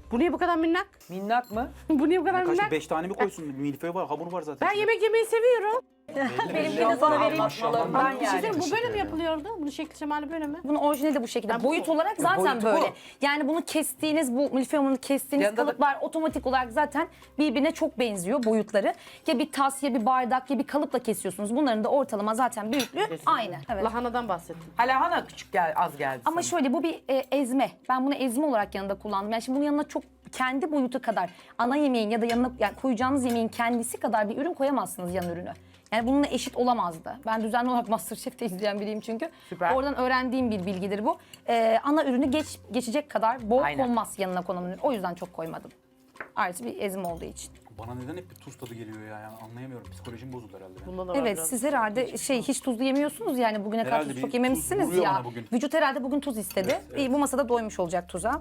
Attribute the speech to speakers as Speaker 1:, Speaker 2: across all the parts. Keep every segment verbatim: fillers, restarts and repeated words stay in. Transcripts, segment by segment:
Speaker 1: Bu niye bu kadar minnak?
Speaker 2: Minnak mı?
Speaker 1: Bu niye bu kadar
Speaker 3: Kaç
Speaker 1: minnak?
Speaker 3: beş tane mi koysun? Milföy var, hamur var zaten.
Speaker 1: Ben yemek yemeyi seviyorum.
Speaker 4: Benimki de sana vereyim.
Speaker 2: Anlatmalarından
Speaker 1: Bir şey
Speaker 2: yani.
Speaker 1: söyleyeyim, bu böyle mi yapılıyordu? Bunun şekli şemali böyle mi?
Speaker 4: Bunun orijinali de bu şekilde.
Speaker 1: Ben bu-
Speaker 4: Boyut olarak zaten
Speaker 2: boyutu bu.
Speaker 4: böyle. Yani bunu kestiğiniz, bu milföy hamurunu kestiğiniz
Speaker 2: Yanında da-
Speaker 4: kalıplar otomatik olarak zaten birbirine çok benziyor boyutları. Ya bir tas, ya bir bardak, ya bir kalıpla kesiyorsunuz. Bunların da ortalama zaten büyüklüğü aynı. Evet.
Speaker 1: Lahanadan bahsettim.
Speaker 2: Hala hana küçük gel, az geldi
Speaker 4: Ama
Speaker 2: sana.
Speaker 4: şöyle bu bir e, ezme. Ben bunu ezme olarak yanında kullandım. Yani şimdi bunun yanına çok kendi boyutu kadar ana yemeğin ya da yanına yani koyacağınız yemeğin kendisi kadar bir ürün koyamazsınız yan ürünü. Yani bununla eşit olamazdı. Ben düzenli olarak MasterChef'te izleyen biriyim çünkü.
Speaker 2: Süper.
Speaker 4: Oradan öğrendiğim bir bilgidir bu. Ee, ana ürünü geç, geçecek kadar bol
Speaker 2: Aynen.
Speaker 4: konmaz yanına konan ürün. O yüzden çok koymadım. Artı bir ezme olduğu için.
Speaker 3: Bana neden hep bir tuz tadı geliyor ya? Yani anlayamıyorum. Psikolojim bozuldu herhalde. benim.
Speaker 1: Bunda da var
Speaker 4: Evet
Speaker 1: biraz.
Speaker 4: siz herhalde şey hiç tuzlu yemiyorsunuz yani bugüne kadar
Speaker 3: Herhalde
Speaker 4: tuz
Speaker 3: bir
Speaker 4: çok
Speaker 3: tuz
Speaker 4: yememişsiniz
Speaker 3: vuruyor
Speaker 4: ya.
Speaker 3: bana bugün.
Speaker 4: Vücut herhalde bugün tuz istedi.
Speaker 3: Evet, evet.
Speaker 4: İyi, bu masada doymuş olacak tuza.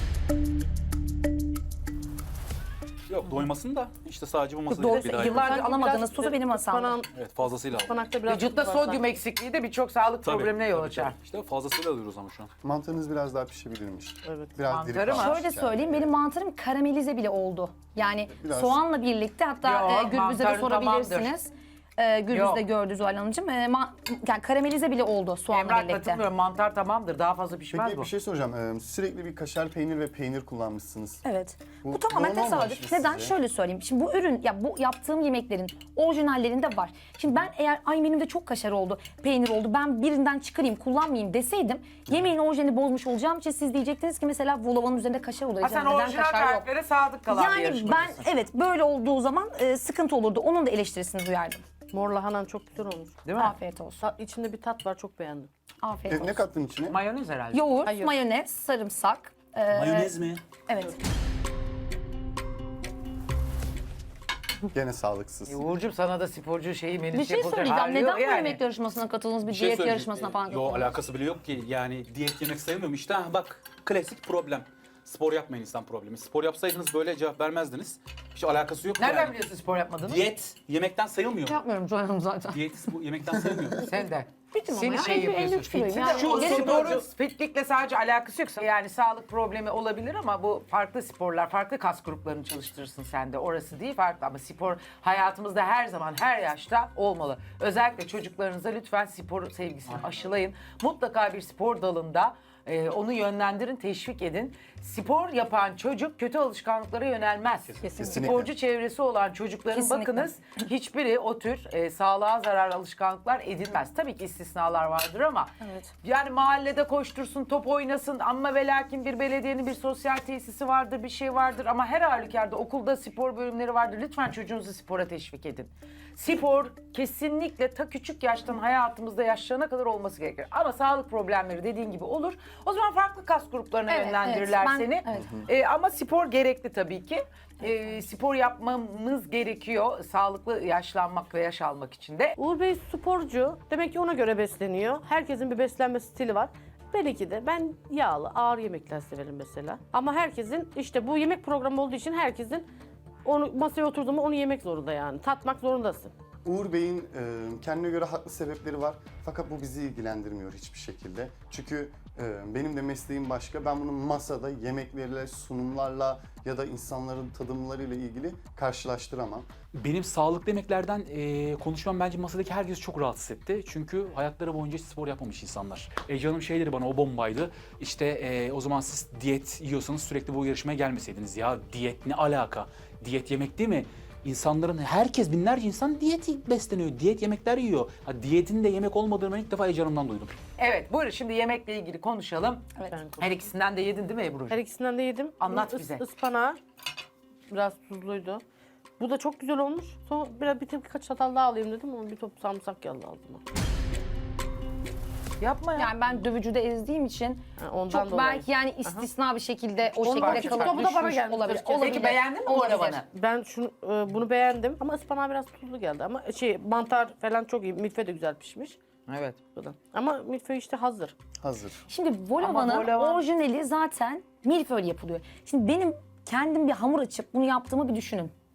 Speaker 3: Yok doymasın da işte sadece bu masada
Speaker 4: Doğru,
Speaker 3: bir daha yapalım.
Speaker 4: yıllardır
Speaker 1: Sanki
Speaker 4: alamadığınız
Speaker 1: biraz
Speaker 4: tuzu benim hasamda.
Speaker 1: ıspanağın-
Speaker 3: Evet fazlasıyla aldım.
Speaker 1: Ispanakta biraz
Speaker 2: Vücutta
Speaker 1: tuz var
Speaker 2: sodyum
Speaker 1: sanki.
Speaker 2: eksikliği de birçok sağlık
Speaker 3: Tabii,
Speaker 2: problemine yol
Speaker 3: tabii,
Speaker 2: açar.
Speaker 3: tabii. İşte fazlasıyla alıyoruz ama şu an.
Speaker 5: Mantarınız biraz daha pişebilirmiş.
Speaker 1: Evet.
Speaker 5: Biraz
Speaker 2: Mantarı
Speaker 5: diri
Speaker 2: mı?
Speaker 5: kalmış
Speaker 4: Şöyle
Speaker 5: yani.
Speaker 4: söyleyeyim benim mantarım karamelize bile oldu. Yani
Speaker 5: Biraz-
Speaker 4: soğanla birlikte hatta
Speaker 2: Yo,
Speaker 4: e, Gürbüz'e de
Speaker 2: mantarı
Speaker 4: sorabilirsiniz. E, Gürbüz
Speaker 2: Yo.
Speaker 4: de gördü Zuhal Hanımcığım. E, ma- yani karamelize bile oldu soğanla
Speaker 2: Emrah
Speaker 4: birlikte.
Speaker 2: katılmıyorum. Mantar tamamdır. Daha fazla pişmez
Speaker 5: Peki
Speaker 2: bu.
Speaker 5: bir şey soracağım. Ee, sürekli bir kaşar peynir ve peynir kullanmışsınız.
Speaker 4: Evet. Bu,
Speaker 5: Bu
Speaker 4: tamamen
Speaker 5: normal mi
Speaker 4: tesadüf.
Speaker 5: sizce?
Speaker 4: Neden? Şöyle söyleyeyim. Şimdi bu ürün, ya bu yaptığım yemeklerin orijinallerinde var. Şimdi ben eğer ay benim de çok kaşar oldu, peynir oldu, ben birinden çıkarayım, kullanmayayım deseydim yemeğin orijinalini bozmuş olacağım için siz diyecektiniz ki mesela volavanın üzerinde kaşar olur.
Speaker 2: Ha sen
Speaker 4: Neden
Speaker 2: orijinal
Speaker 4: kaşar yok?
Speaker 2: tariflere sadık kalan bir
Speaker 4: Yani ben
Speaker 2: yarışmacısın.
Speaker 4: evet böyle olduğu zaman e, sıkıntı olurdu. Onun da eleştirisini duyardım.
Speaker 1: Mor lahanan çok güzel olmuş.
Speaker 2: Değil mi?
Speaker 4: Afiyet olsun.
Speaker 1: Ta- İçinde bir tat var, çok beğendim.
Speaker 4: Afiyet
Speaker 5: E,
Speaker 4: olsun.
Speaker 5: ne kattın içine?
Speaker 2: Mayonez herhalde.
Speaker 4: Yoğurt,
Speaker 1: Hayır.
Speaker 4: mayonez, sarımsak. e,
Speaker 3: Mayonez mi?
Speaker 4: Evet.
Speaker 5: Gene sağlıksız.
Speaker 2: E, Uğurcuğum sana da sporcu şeyi menüsü
Speaker 4: Bir şey
Speaker 2: yapılacak
Speaker 4: söyleyeceğim.
Speaker 2: hali
Speaker 4: Neden
Speaker 2: yok
Speaker 4: bu
Speaker 2: yani.
Speaker 4: yemek yarışmasına katıldınız? Bir,
Speaker 3: Bir şey
Speaker 4: diyet
Speaker 3: söyleyeyim.
Speaker 4: yarışmasına falan
Speaker 3: Ee, Yo
Speaker 4: katıldınız?
Speaker 3: alakası bile yok ki. Yani diyet yemek sayılmıyor mu? İşte ha, bak klasik problem. Spor yapmayın insan problemi. Spor yapsaydınız böyle cevap vermezdiniz. Hiç alakası yok
Speaker 2: Nereden
Speaker 3: yani.
Speaker 2: biliyorsun spor yapmadığını?
Speaker 3: Diyet yemekten sayılmıyor mu?
Speaker 4: Yapmıyorum Zuhal Hanım zaten.
Speaker 3: Diyet bu yemekten sayılmıyor.
Speaker 2: Sen de.
Speaker 4: Bitim ama
Speaker 2: Senin
Speaker 4: ya.
Speaker 2: şey
Speaker 4: elli- elli
Speaker 2: yapıyorsun.
Speaker 4: üç kiloyum
Speaker 2: Fitsin
Speaker 4: ya.
Speaker 2: de şu
Speaker 4: Gerek yok.
Speaker 2: sporun fitlikle sadece alakası yoksa yani sağlık problemi olabilir ama bu farklı sporlar, farklı kas gruplarını çalıştırırsın sen de. Orası değil farklı ama spor hayatımızda her zaman, her yaşta olmalı. Özellikle çocuklarınıza lütfen spor sevgisini aşılayın. Mutlaka bir spor dalında e, onu yönlendirin, teşvik edin. Spor yapan çocuk kötü alışkanlıklara yönelmez.
Speaker 4: Kesinlikle.
Speaker 2: Sporcu çevresi olan çocukların
Speaker 4: Kesinlikle.
Speaker 2: bakınız hiçbiri o tür e, sağlığa zararlı alışkanlıklar edinmez. Tabii ki istisnalar vardır ama
Speaker 4: Evet.
Speaker 2: yani mahallede koştursun, top oynasın ama ve lakin bir belediyenin bir sosyal tesisi vardır, bir şey vardır ama her halükarda okulda spor bölümleri vardır. Lütfen çocuğunuzu spora teşvik edin. Spor kesinlikle ta küçük yaştan hayatımızda yaşlarına kadar olması gerekir. Ama sağlık problemleri dediğin gibi olur. O zaman farklı kas gruplarına
Speaker 4: Evet,
Speaker 2: yönlendirirler
Speaker 4: evet. Ben-
Speaker 2: seni.
Speaker 4: evet.
Speaker 2: Ee, ama spor gerekli tabii ki. Ee, spor yapmamız gerekiyor sağlıklı yaşlanmak ve yaş almak için de.
Speaker 1: Uğur Bey sporcu. Demek ki ona göre besleniyor. Herkesin bir beslenme stili var. Belki de ben yağlı, ağır yemekler severim mesela. Ama herkesin işte bu yemek programı olduğu için herkesin onu masaya oturduğunda onu yemek zorunda yani. Tatmak zorundasın.
Speaker 5: Uğur Bey'in e, kendine göre haklı sebepleri var. Fakat bu bizi ilgilendirmiyor hiçbir şekilde. Çünkü e, benim de mesleğim başka. Ben bunu masada yemeklerle, sunumlarla ya da insanların tadımlarıyla ilgili karşılaştıramam.
Speaker 3: Benim sağlıklı yemeklerden e, konuşmam bence masadaki herkesi çok rahatsız etti. Çünkü hayatları boyunca hiç spor yapmamış insanlar. E, canım şey dedi bana o bombaydı. İşte e, o zaman siz diyet yiyorsanız sürekli bu yarışmaya gelmeseydiniz. Ya diyet ne alaka? Diyet yemek değil mi? İnsanların, herkes binlerce insan diyet besleniyor. Diyet yemekler yiyor. Ha, diyetin de yemek olmadığını ben ilk defa Ece Hanım'dan duydum.
Speaker 2: Evet buyurun şimdi yemekle ilgili konuşalım.
Speaker 4: Evet.
Speaker 2: Her ikisinden de yedin değil mi Ebru'cuğum?
Speaker 1: Her ikisinden de yedim.
Speaker 2: Anlat
Speaker 1: Bunun
Speaker 2: bize.
Speaker 1: Ispanağı biraz tuzluydu. Bu da çok güzel olmuş. Sonra biraz bir birkaç çatal daha alayım dedim ama bir top sarımsak geldi ağzıma.
Speaker 2: Yapma ya.
Speaker 4: Yani ben dövücüde ezdiğim için
Speaker 1: Ha, ondan
Speaker 4: çok
Speaker 1: dolayı.
Speaker 4: belki yani istisna bir şekilde o
Speaker 1: Ondan
Speaker 4: şekilde
Speaker 1: küçük
Speaker 4: kalıp
Speaker 1: topu da bana
Speaker 4: düşmüş
Speaker 1: geldi.
Speaker 4: olabilir.
Speaker 1: Peki
Speaker 4: olabilir.
Speaker 2: beğendin mi bu
Speaker 4: Olabilir.
Speaker 2: arabanı?
Speaker 1: Ben şunu e, bunu beğendim ama ıspanağı biraz tuzlu geldi ama şey mantar falan çok iyi. Milföy de güzel pişmiş.
Speaker 2: Evet.
Speaker 1: Bu da. Ama milföy işte hazır.
Speaker 5: Hazır.
Speaker 4: Şimdi
Speaker 2: Ama
Speaker 4: volavanın
Speaker 2: volavan-
Speaker 4: orijinali zaten milföy yapılıyor. Şimdi benim kendim bir hamur açıp bunu yaptığımı bir düşünün.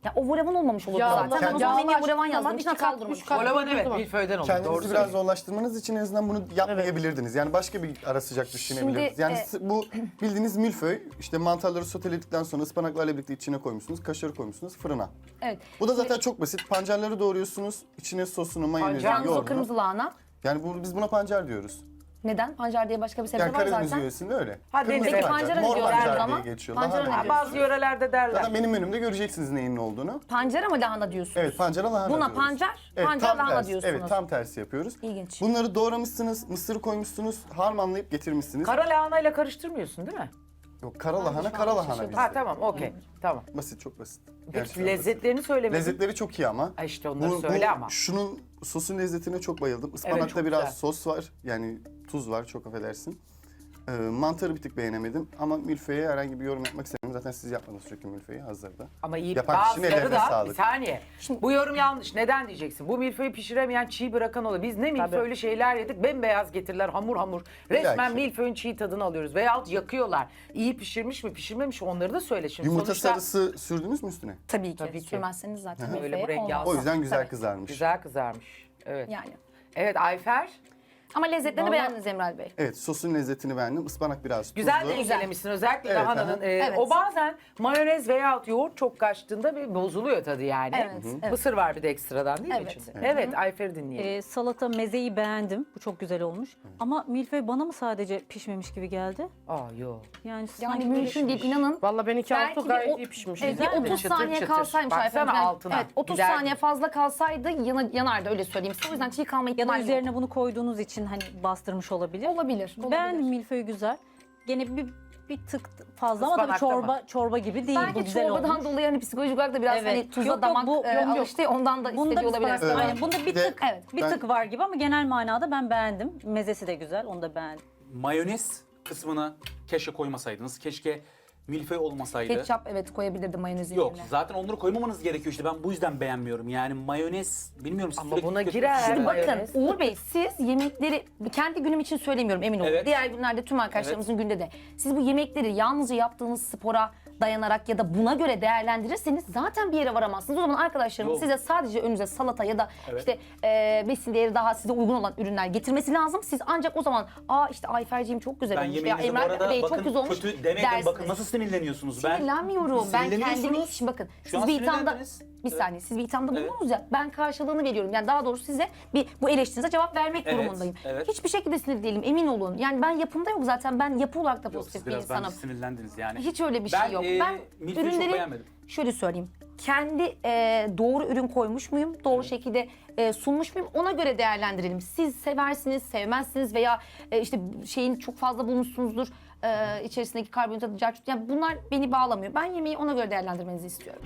Speaker 4: Ya o volavan olmamış olurdu
Speaker 1: Yağlı-
Speaker 4: zaten. Ben o zaman
Speaker 1: yağlı
Speaker 4: menüye
Speaker 1: açtığın
Speaker 4: volavan
Speaker 1: zaman
Speaker 4: yazdım.
Speaker 1: iki
Speaker 4: İçine
Speaker 1: kat,
Speaker 4: kaldırmış.
Speaker 1: üç kat
Speaker 2: Olavan
Speaker 1: koyduğun
Speaker 2: evet
Speaker 1: zaman.
Speaker 2: milföyden olur. Doğru
Speaker 5: Kendinizi biraz
Speaker 2: söylüyorsun.
Speaker 5: zorlaştırmanız için en azından bunu yapmayabilirdiniz. Yani başka bir ara sıcak düşünebilirdiniz. Yani
Speaker 4: e-
Speaker 5: s- bu bildiğiniz milföy, işte mantarları soteledikten sonra ıspanaklarla birlikte içine koymuşsunuz, kaşarı koymuşsunuz fırına.
Speaker 4: Evet.
Speaker 5: Bu da zaten çok basit. Pancarları doğruyorsunuz, içine sosunu, mayonezini,
Speaker 2: Pancar,
Speaker 4: Yalnız o
Speaker 5: yoğurdunu.
Speaker 4: kırmızı lahana.
Speaker 5: Yani bu, biz buna pancar diyoruz.
Speaker 4: Neden? Pancar diye başka bir sebze
Speaker 5: Yani
Speaker 4: var
Speaker 5: Karadeniz
Speaker 4: zaten.
Speaker 5: yöresinde öyle.
Speaker 2: Ha,
Speaker 5: Kırmızı
Speaker 2: deniz- Peki
Speaker 4: pancara ne
Speaker 5: mor
Speaker 4: diyorlar o
Speaker 5: pancar
Speaker 4: zaman?
Speaker 5: diye geçiyor.
Speaker 4: Pancara
Speaker 5: Lahana
Speaker 4: ne
Speaker 5: diyor.
Speaker 2: Bazı yörelerde derler.
Speaker 5: Zaten benim menümde göreceksiniz neyin ne olduğunu.
Speaker 4: Pancar ama lahana diyorsunuz.
Speaker 5: Evet, pancara lahana
Speaker 4: Buna
Speaker 5: diyoruz.
Speaker 4: pancar,
Speaker 5: Evet,
Speaker 4: pancar
Speaker 5: tam
Speaker 4: lahana
Speaker 5: tersi.
Speaker 4: diyorsunuz.
Speaker 5: Evet, tam tersi yapıyoruz.
Speaker 4: İlginç.
Speaker 5: Bunları doğramışsınız, mısır koymuşsunuz, harmanlayıp getirmişsiniz.
Speaker 2: Kara lahanayla karıştırmıyorsun değil mi?
Speaker 5: Yok, kara lahana,
Speaker 4: şu
Speaker 5: kara
Speaker 4: an
Speaker 5: lahana
Speaker 4: şaşırdım.
Speaker 5: bizde.
Speaker 2: Ha tamam okey. Tamam.
Speaker 5: Basit, çok basit.
Speaker 2: Peki
Speaker 5: Gerçekten
Speaker 2: lezzetlerini söylemedin.
Speaker 5: basit. Lezzetleri çok iyi ama.
Speaker 2: Ha, işte onları söyle ama.
Speaker 5: Şunun sosun lezzetine çok bayıldım. Ispanakta
Speaker 2: çok
Speaker 5: biraz
Speaker 2: güzel.
Speaker 5: sos var. Yani tuz var, çok affedersin. Ee, mantarı bir tık beğenemedim ama milföye herhangi bir yorum yapmak istemiyorum. Zaten siz yapmadınız çünkü milföyü hazırda.
Speaker 2: Ama iyi
Speaker 5: Yapan kişinin
Speaker 2: bazıları
Speaker 5: ellerine
Speaker 2: da
Speaker 5: sağlık.
Speaker 2: bir saniye. Bu yorum yanlış. Neden diyeceksin? Bu milföyü pişiremeyen çiğ bırakan olur. Biz ne milföylü şeyler yedik. Bembeyaz getirdiler hamur hamur. Resmen
Speaker 5: Belki.
Speaker 2: milföyün çiğ tadını alıyoruz. Veyahut yakıyorlar. İyi pişirmiş mi pişirmemiş mi onları da söyle şimdi.
Speaker 5: Yumurta
Speaker 2: Sonuçta
Speaker 5: sarısı sürdünüz mü üstüne?
Speaker 4: Tabii ki.
Speaker 2: Tabii ki.
Speaker 4: Sürmezseniz zaten
Speaker 2: Öyle
Speaker 4: milföye
Speaker 2: bu renk
Speaker 4: olmaz.
Speaker 2: yağlı.
Speaker 5: O yüzden güzel
Speaker 4: Tabii.
Speaker 5: kızarmış.
Speaker 2: güzel kızarmış. Evet.
Speaker 4: Yani.
Speaker 2: Evet Ayfer.
Speaker 4: Ama lezzetlerini
Speaker 1: Vallahi-
Speaker 4: beğendiniz Emral Bey.
Speaker 5: Evet, sosun lezzetini beğendim. Ispanak biraz tuzlu.
Speaker 2: Güzel de incelemişsin özellikle
Speaker 5: Evet,
Speaker 2: lahananın.
Speaker 5: aha.
Speaker 2: e,
Speaker 4: Evet.
Speaker 2: O bazen mayonez veyahut yoğurt çok kaçtığında bir bozuluyor tadı yani.
Speaker 4: Evet, Hı hı. evet.
Speaker 2: Mısır var bir de ekstradan değil mi
Speaker 4: Evet.
Speaker 2: içinde? Evet, Ayfer'i dinleyelim.
Speaker 6: Ee, salata mezeyi beğendim. Bu çok güzel olmuş. Ama milföy bana mı sadece pişmemiş gibi geldi?
Speaker 2: Aa yok.
Speaker 6: Yani
Speaker 4: Yani
Speaker 6: sanki
Speaker 4: mümkün değil inanın.
Speaker 1: Valla ben iki
Speaker 4: Belki
Speaker 1: altı
Speaker 4: bir
Speaker 1: gayet
Speaker 4: o-
Speaker 1: iyi pişmiş.
Speaker 4: Evet, bir
Speaker 2: Güzel mi?
Speaker 4: otuz
Speaker 2: Çıtır
Speaker 4: saniye
Speaker 2: çıtır.
Speaker 4: kalsaymış
Speaker 2: Baksana
Speaker 4: Ayfer Hanım.
Speaker 2: altına.
Speaker 4: Evet, otuz
Speaker 2: Giderdi.
Speaker 4: saniye fazla kalsaydı yana, yanardı öyle söyleyeyim size. O yüzden çiğ kalma
Speaker 6: ya da
Speaker 4: ihtimali yok.
Speaker 6: üzerine bunu koyduğunuz için hani bastırmış olabilir.
Speaker 4: Olabilir. olabilir.
Speaker 6: Beğendim milföy güzel. Gene bir bir tık fazla ama tabii
Speaker 2: Ispanakta
Speaker 6: çorba çorba gibi değil. bu
Speaker 4: Belki
Speaker 6: güzel
Speaker 4: çorbadan
Speaker 6: olmuş.
Speaker 4: dolayı hani psikolojik olarak da biraz
Speaker 6: Evet.
Speaker 4: hani tuza
Speaker 6: Yok, yok,
Speaker 4: damak
Speaker 6: bu-
Speaker 4: e,
Speaker 6: yok, yok.
Speaker 4: alıştı ya, ondan da
Speaker 6: Bunda
Speaker 4: hissediyor olabilir.
Speaker 6: ıspanak-
Speaker 5: Evet.
Speaker 6: aynen, bunda bir
Speaker 5: Bir de-
Speaker 6: tık
Speaker 4: Evet.
Speaker 6: bir
Speaker 5: Ben-
Speaker 6: tık var gibi ama genel manada ben beğendim. Mezesi de güzel. Onu da beğendim.
Speaker 3: Mayonez kısmını keşke koymasaydınız. Keşke milföy olmasaydı.
Speaker 4: Ketçap evet koyabilirdim mayonezin
Speaker 3: Yok
Speaker 4: yerine.
Speaker 3: zaten onları koymamanız gerekiyor işte ben bu yüzden beğenmiyorum. Yani mayonez bilmiyorum. siz
Speaker 2: Ama
Speaker 3: sürekli
Speaker 2: buna
Speaker 3: tüketiyorsunuz.
Speaker 2: girer.
Speaker 4: Şimdi bakın
Speaker 2: Mayonez.
Speaker 4: Uğur Bey siz yemekleri kendi günüm için söylemiyorum emin olun.
Speaker 3: Evet.
Speaker 4: Diğer günlerde tüm arkadaşlarımızın günde de. Siz bu yemekleri yalnızca yaptığınız spora dayanarak ya da buna göre değerlendirirseniz zaten bir yere varamazsınız. O zaman arkadaşlarımız
Speaker 3: Yok.
Speaker 4: size sadece önünüze salata ya da
Speaker 3: Evet.
Speaker 4: işte e, besin değeri daha size uygun olan ürünler getirmesi lazım. Siz ancak o zaman aa işte Ayfer'ciğim çok güzel
Speaker 3: Ben
Speaker 4: olmuş ya
Speaker 3: yemeğinizi bu
Speaker 4: Emrah
Speaker 3: arada
Speaker 4: Bey
Speaker 3: bakın
Speaker 4: çok güzel olmuş
Speaker 3: kötü demedim.
Speaker 4: dersiniz.
Speaker 3: Bakın nasıl sinirleniyorsunuz. Ben
Speaker 4: Sinirlenmiyorum. Ben kendimi
Speaker 3: Sinirleniyorsunuz.
Speaker 4: şimdi bakın
Speaker 3: Şu
Speaker 4: siz
Speaker 3: an
Speaker 4: bir ithamda
Speaker 3: sinirlendiniz.
Speaker 4: bir
Speaker 3: Evet.
Speaker 4: saniye siz bir ithamda
Speaker 3: Evet.
Speaker 4: bulundunuz ya ben karşılığını veriyorum. Yani daha doğrusu size bir bu eleştirinize cevap vermek
Speaker 3: Evet,
Speaker 4: durumundayım.
Speaker 3: evet.
Speaker 4: Hiçbir şekilde sinir değilim emin olun. Yani ben yapımda yok zaten ben yapı olarak da
Speaker 3: Yok,
Speaker 4: pozitif
Speaker 3: siz
Speaker 4: bir
Speaker 3: biraz bence
Speaker 4: insanım.
Speaker 3: sinirlendiniz yani.
Speaker 4: Hiç öyle bir
Speaker 3: Ben,
Speaker 4: şey yok.
Speaker 3: e,
Speaker 4: ben
Speaker 3: milföyü çok beğenmedim.
Speaker 4: şöyle söyleyeyim. Kendi e, doğru ürün koymuş muyum? Doğru şekilde e, sunmuş muyum? Ona göre değerlendirelim. Siz seversiniz, sevmezsiniz veya e, işte şeyin çok fazla bulmuşsunuzdur. E, içerisindeki karbonhidrat, carçut. Yani bunlar beni bağlamıyor. Ben yemeği ona göre değerlendirmenizi istiyorum.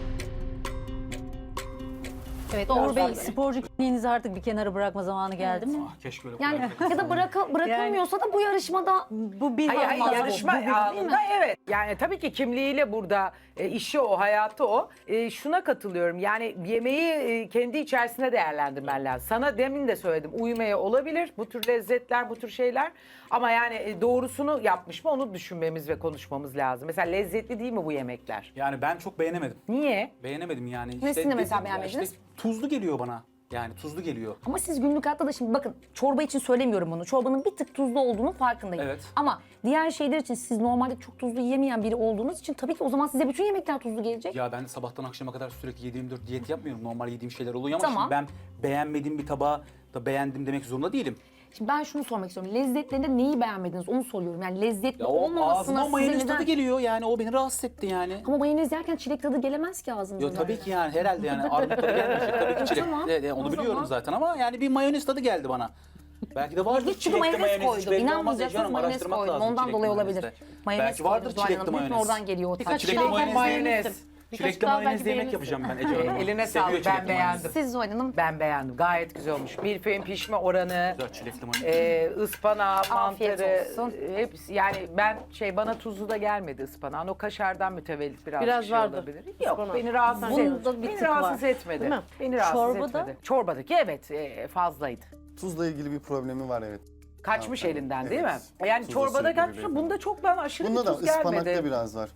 Speaker 6: Evet
Speaker 4: Doğru
Speaker 6: Uğur Bey
Speaker 4: söylüyor.
Speaker 6: sporcu kimliğinizi artık bir kenara bırakma zamanı geldi mi?
Speaker 3: Ah, keşke öyle
Speaker 4: Yani
Speaker 3: koyaydım.
Speaker 4: ya da bırakı, bırakılmıyorsa da bu yarışmada
Speaker 6: Bu bir
Speaker 2: Hayır, hayır,
Speaker 6: olmaz.
Speaker 2: yarışma
Speaker 6: Bu bir-
Speaker 2: anında evet. Yani tabii ki kimliğiyle burada e, işi o, hayatı o. E, şuna katılıyorum. Yani yemeği e, kendi içerisinde değerlendirmen lazım. Sana demin de söyledim. Uyumaya olabilir bu tür lezzetler, bu tür şeyler. Ama yani e, doğrusunu yapmış mı onu düşünmemiz ve konuşmamız lazım. Mesela lezzetli değil mi bu yemekler?
Speaker 3: Yani ben çok beğenemedim.
Speaker 2: Niye?
Speaker 3: Beğenemedim yani.
Speaker 4: Nesini
Speaker 3: İşte
Speaker 4: mesela
Speaker 3: dedim ya,
Speaker 4: beğenmediniz?
Speaker 3: işte tuzlu geliyor bana. Yani tuzlu geliyor.
Speaker 4: ama siz günlük hayatta da şimdi bakın çorba için söylemiyorum bunu. Çorbanın bir tık tuzlu olduğunu farkındayım.
Speaker 3: Evet.
Speaker 4: Ama diğer şeyler için siz normalde çok tuzlu yiyemeyen biri olduğunuz için tabii ki o zaman size bütün yemekler tuzlu gelecek.
Speaker 3: Ya ben de sabahtan akşama kadar sürekli yedi yirmi dört diyet yapmıyorum. Normal yediğim şeyler oluyor ama
Speaker 4: Tamam.
Speaker 3: şimdi ben beğenmediğim bir tabağı da beğendim demek zorunda değilim.
Speaker 4: Şimdi ben şunu sormak istiyorum. Lezzetlerinde neyi beğenmediniz onu soruyorum. Yani lezzetli
Speaker 3: Ya o
Speaker 4: olmamasına
Speaker 3: ağzıma
Speaker 4: size
Speaker 3: mayonez
Speaker 4: neden...
Speaker 3: tadı geliyor yani o beni rahatsız etti yani.
Speaker 4: Ama mayonez yerken çilek tadı gelemez ki ağzınıza.
Speaker 3: Yo tabii ki yani herhalde yani armut tadı gelmeyecek tabii ki çilek.
Speaker 4: Tamam,
Speaker 3: Evet, evet,
Speaker 4: o
Speaker 3: onu biliyorum
Speaker 4: zaman.
Speaker 3: zaten ama yani bir mayonez tadı geldi bana. Belki de vardır
Speaker 4: Hiç çünkü
Speaker 3: çilekli
Speaker 4: mayonez
Speaker 3: hiç
Speaker 4: koydum.
Speaker 3: belli olmaz
Speaker 4: İnanmayacaksınız
Speaker 3: Ece Hanım,
Speaker 4: mayonez
Speaker 3: araştırmak
Speaker 4: koydum.
Speaker 3: lazım
Speaker 4: Ondan
Speaker 3: çilekli
Speaker 4: dolayı olabilir.
Speaker 3: mayonezde.
Speaker 4: Mayonez
Speaker 3: Belki vardır
Speaker 4: koydum Zuhal
Speaker 3: çilekli
Speaker 4: Hanım. Hep
Speaker 3: mayonez.
Speaker 4: oradan geliyor o tat.
Speaker 1: Birkaç
Speaker 3: Çilekli
Speaker 1: daha
Speaker 3: mayonez
Speaker 1: belki
Speaker 3: yemek
Speaker 1: beğenirsin.
Speaker 3: yapacağım.
Speaker 1: Birkaç
Speaker 3: Çilekli
Speaker 1: daha
Speaker 3: mayonezli
Speaker 1: belki
Speaker 3: yemek
Speaker 1: beğenirsin.
Speaker 3: yapacağım ben Ece Hanım.
Speaker 2: Eline
Speaker 3: Seviyor
Speaker 2: sağlık,
Speaker 3: çilekli
Speaker 2: ben beğendim.
Speaker 3: mayonezi.
Speaker 4: Siz Zuhal Hanım
Speaker 2: Ben beğendim. Gayet güzel olmuş. Milföyün pişme oranı,
Speaker 3: Güzel çilekli mayonez.
Speaker 2: e, ıspanağı,
Speaker 4: Afiyet
Speaker 2: mantarı,
Speaker 4: olsun.
Speaker 2: e, hepsi. Yani ben şey bana tuzlu da gelmedi ıspanağın. O kaşardan mütevellit biraz
Speaker 1: Biraz
Speaker 2: şey
Speaker 1: vardı
Speaker 2: olabilir. Yok
Speaker 1: ıspanak.
Speaker 2: beni rahatsız
Speaker 6: Bunda
Speaker 2: etmedi.
Speaker 6: bir
Speaker 2: Beni
Speaker 6: tık
Speaker 2: rahatsız
Speaker 6: var.
Speaker 2: etmedi.
Speaker 1: Değil mi?
Speaker 2: Beni rahatsız
Speaker 6: Çorbada?
Speaker 2: etmedi. Çorbadaki evet e, fazlaydı.
Speaker 5: Tuzla ilgili bir problemi var, evet.
Speaker 2: Kaçmış
Speaker 5: Tamam,
Speaker 2: elinden
Speaker 5: evet.
Speaker 2: değil mi? Yani
Speaker 5: Tuzla
Speaker 2: çorbada
Speaker 5: sürekli
Speaker 2: kaçmış.
Speaker 5: bir-
Speaker 2: Bunda çok ben aşırı
Speaker 5: Bunda
Speaker 2: bir
Speaker 5: da
Speaker 2: tuz
Speaker 5: ıspanakta
Speaker 2: gelmedi.
Speaker 5: biraz var.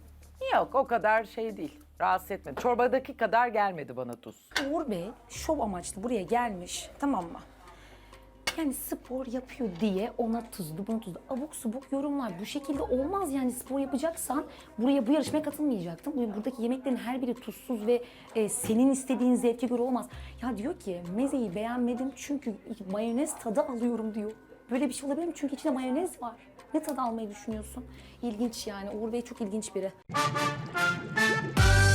Speaker 2: Yok o kadar şey değil. Rahatsız etmedi. Çorbadaki kadar gelmedi bana tuz.
Speaker 4: Uğur Bey şov amaçlı buraya gelmiş, tamam mı? Yani spor yapıyor diye ona tuzlu, buna tuzlu. Abuk subuk yorumlar. Bu şekilde olmaz yani, spor yapacaksan buraya, bu yarışmaya katılmayacaktın. Bu- Buradaki yemeklerin her biri tuzsuz ve e, senin istediğin zevke göre olmaz. Ya diyor ki mezeyi beğenmedim çünkü mayonez tadı alıyorum diyor. Böyle bir şey olabilir mi? Çünkü içinde mayonez var. Ne tadı almayı düşünüyorsun? İlginç yani. Uğur Bey çok ilginç biri.